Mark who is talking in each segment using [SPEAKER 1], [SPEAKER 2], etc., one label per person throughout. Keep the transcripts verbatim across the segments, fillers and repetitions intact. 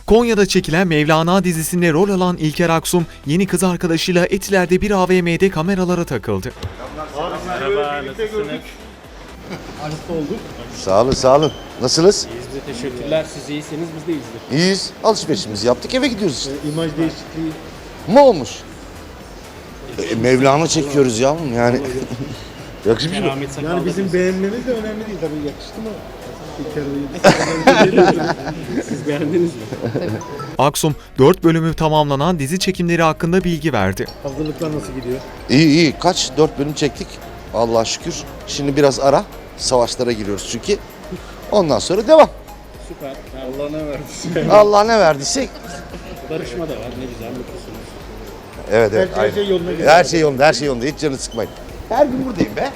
[SPEAKER 1] Konya'da çekilen Mevlana dizisinde rol alan İlker Aksum, yeni kız arkadaşıyla Etiler'de bir A V M'de kameralara takıldı.
[SPEAKER 2] Merhaba, nasılsınız?
[SPEAKER 3] Arısta olduk.
[SPEAKER 4] Sağ olun, sağ olun. Nasılsınız?
[SPEAKER 2] İyiyiz de teşekkürler. Siz iyisiniz, biz de iyiyizdir.
[SPEAKER 4] İyiyiz. Alışverişimizi yaptık, eve gidiyoruz işte.
[SPEAKER 3] E, imaj değişikliği.
[SPEAKER 4] Ne olmuş? E, Mevlana çekiyoruz yavrum yani. Yakışmış mı?
[SPEAKER 2] Keramet sakallı.
[SPEAKER 3] Yani bizim beğenmemiz de önemli değil tabii, yakıştı mı? İlker Bey'in.
[SPEAKER 2] Siz beğendiniz mi?
[SPEAKER 1] Aksum, dört bölümü tamamlanan dizi çekimleri hakkında bilgi verdi.
[SPEAKER 3] Hazırlıklar nasıl gidiyor?
[SPEAKER 4] İyi iyi. Kaç? Dört bölüm çektik. Allah'a şükür. Şimdi biraz ara. Savaşlara giriyoruz çünkü. Ondan sonra devam.
[SPEAKER 2] Süper. Allah ne verdiyse.
[SPEAKER 4] Allah ne verdiyse.
[SPEAKER 2] Barışma da var, ne güzel, mutlusunuz.
[SPEAKER 4] Evet evet.
[SPEAKER 3] Her
[SPEAKER 4] aynen.
[SPEAKER 3] şey yoluna gidiyor.
[SPEAKER 4] Her şey yolunda, her şey yolunda. Hiç canını sıkmayın. Her gün buradayım be.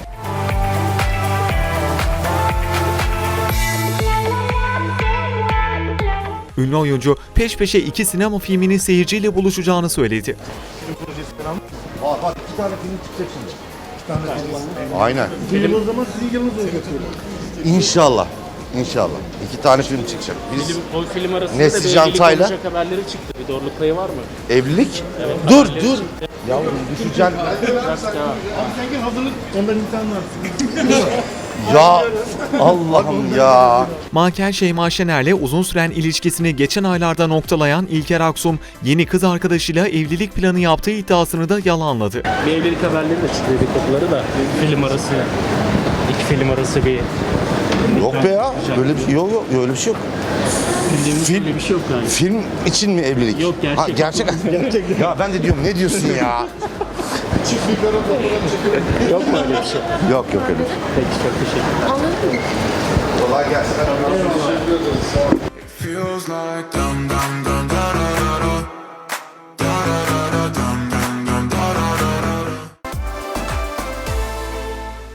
[SPEAKER 1] Ünlü oyuncu peş peşe iki sinema filminin seyirciyle buluşacağını söyledi.
[SPEAKER 4] Var var. İki tane film çıkacak şimdi.
[SPEAKER 3] İki tane film.
[SPEAKER 4] Aynen.
[SPEAKER 3] Film o zaman sizin yılınız olacak.
[SPEAKER 4] İnşallah. İnşallah. İki tane film çıkacak. Biz
[SPEAKER 2] Film, o film arasında
[SPEAKER 4] Nesli
[SPEAKER 2] da bir
[SPEAKER 4] Can
[SPEAKER 2] evlilik
[SPEAKER 4] Tayla.
[SPEAKER 2] olacak haberleri çıktı. Bir doğruluk payı var mı?
[SPEAKER 4] evlilik.
[SPEAKER 2] Evet,
[SPEAKER 4] Dur
[SPEAKER 2] haberleri
[SPEAKER 4] dur.
[SPEAKER 2] çıktı.
[SPEAKER 4] Yavrum düşeceksin.
[SPEAKER 2] Biraz devam.
[SPEAKER 3] Abi sanki hazırlık ondan imtihan var.
[SPEAKER 4] Ya Allah'ım ya.
[SPEAKER 1] Manken Şeyma Şener'le uzun süren ilişkisini geçen aylarda noktalayan İlker Aksum, yeni kız arkadaşıyla evlilik planı yaptığı iddiasını da yalanladı.
[SPEAKER 2] Bir evlilik haberleri de çıktı dedikoduları da. Film arası, iki film arası bir...
[SPEAKER 4] Yok be ya. Böyle bir şey yok yok. Öyle bir şey yok.
[SPEAKER 2] Bildiğimiz
[SPEAKER 4] Film-
[SPEAKER 2] öyle bir şey yok galiba.
[SPEAKER 4] Film için mi evlilik?
[SPEAKER 2] Yok, gerçek.
[SPEAKER 4] Ha, gerçek. gerçek. Ya ben de diyorum ne diyorsun ya?
[SPEAKER 2] Yok mu öyle bir şey?
[SPEAKER 4] Yok yok öyle bir şey.
[SPEAKER 2] Peki, çok teşekkürler.
[SPEAKER 4] Kolay gelsin.
[SPEAKER 5] Feels like dum dum dum.